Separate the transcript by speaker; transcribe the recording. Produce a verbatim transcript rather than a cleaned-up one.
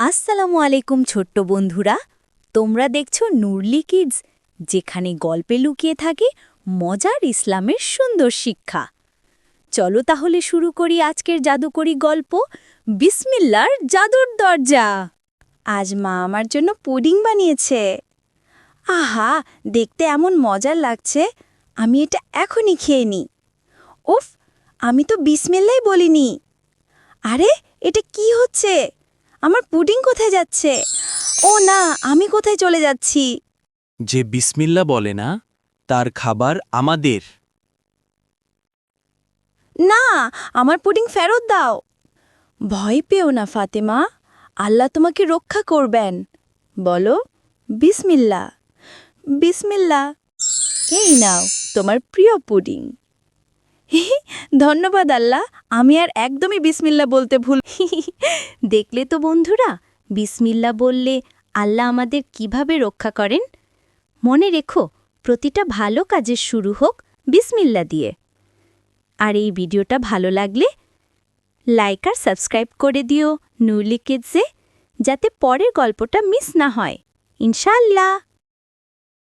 Speaker 1: আসসালামু আলাইকুম ছোট্ট বন্ধুরা, তোমরা দেখছো নুরলি কিডস, যেখানে গল্পে লুকিয়ে থাকে মজার ইসলামের সুন্দর শিক্ষা। চলো তাহলে শুরু করি আজকের জাদুকরি গল্প, বিসমিল্লার জাদুর দরজা। আজ মা আমার জন্য পুডিং বানিয়েছে। আহা, দেখতে এমন মজার লাগছে, আমি এটা এখনই খেয়ে নিই। উফ, আমি তো বিসমিল্লাই বলিনি। আরে, এটা কি হচ্ছে? আমার পুডিং কোথায় যাচ্ছে? ও না, আমি কোথায় চলে যাচ্ছি?
Speaker 2: যে বিসমিল্লা বলে না তার খাবার আমাদের।
Speaker 1: না, আমার পুডিং ফেরত দাও। ভয় পেও না ফাতেমা, আল্লাহ তোমাকে রক্ষা করবেন। বলো বিসমিল্লা। বিসমিল্লা। এই নাও তোমার প্রিয় পুডিং। ধন্যবাদ আল্লাহ, আমি আর একদমই বিসমিল্লা বলতে ভুল। দেখলে তো বন্ধুরা, বিসমিল্লা বললে আল্লাহ আমাদের কিভাবে রক্ষা করেন। মনে রেখো, প্রতিটা ভালো কাজের শুরু হোক বিসমিল্লা দিয়ে। আর এই ভিডিওটা ভালো লাগলে লাইক আর সাবস্ক্রাইব করে দিও নুরলি কিডসে, যাতে পরের গল্পটা মিস না হয়। ইনশাআল্লাহ।